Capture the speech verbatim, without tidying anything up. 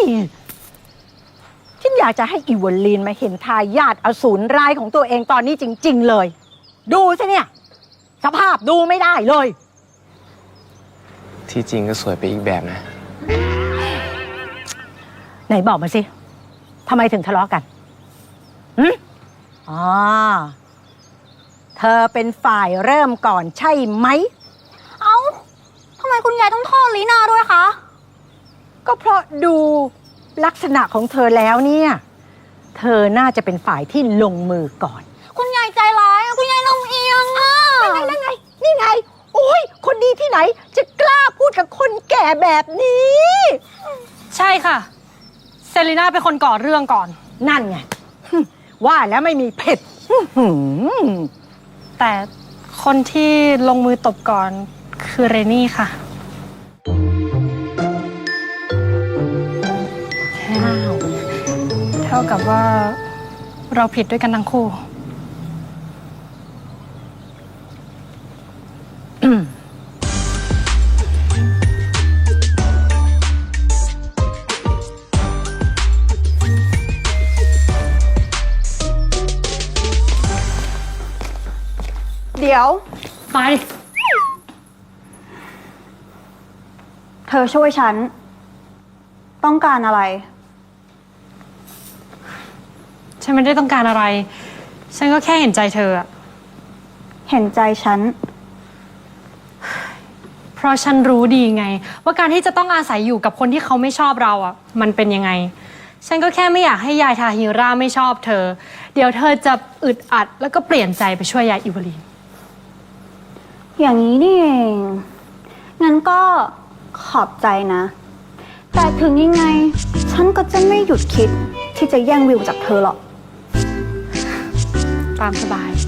ฉันอยากจะให้อีวอลลีนมาเห็นทายาทอสูรร้ายของตัวเองตอนนี้จริงๆเลย ดูสิเนี่ยสภาพดูไม่ได้เลยที่จริงก็สวยไปอีกแบบนะไหนบอกมาสิทำไมถึงทะเลาะกันหืมอ๋อเธอเป็นฝ่ายเริ่มก่อนใช่ไหมเอ้าทำไมคุณยายต้องโทษลีนาด้วยคะก็เพราะดูลักษณะของเธอแล้วเนี่ยเธอน่าจะเป็นฝ่ายที่ลงมือก่อนคุณยายใจร้ายคุณยายลำเอียงอ่ะนั่นไงนี่ไงโอ้ยคนดีที่ไหนจะกล้าพูดกับคนแก่แบบนี้ใช่ค่ะเซรีน่าเป็นคนก่อเรื่องก่อนนั่นไงว่าแล้วไม่มีเผ็ดแต่คนที่ลงมือตบก่อนคือเรนี่ค่ะเท่ากับว่าเราผิดด้วยกันทั้งคู่เดี๋ยวไปเธอช่วยฉันต้องการอะไรฉันไม่ได้ต้องการอะไรฉันก็แค่เห็นใจเธออะเห็นใจฉันเพราะฉันรู้ดีไงว่าการที่จะต้องอาศัยอยู่กับคนที่เขาไม่ชอบเราอ่ะมันเป็นยังไงฉันก็แค่ไม่อยากให้ยายทาฮิราไม่ชอบเธอเดี๋ยวเธอจะอึดอัดแล้วก็เปลี่ยนใจไปช่วยยายอิวาลีนอย่างนี้นี่เองงั้นก็ขอบใจนะแต่ถึงยังไงฉันก็จะไม่หยุดคิดที่จะแย่งวิวจากเธอหรอกตามสบาย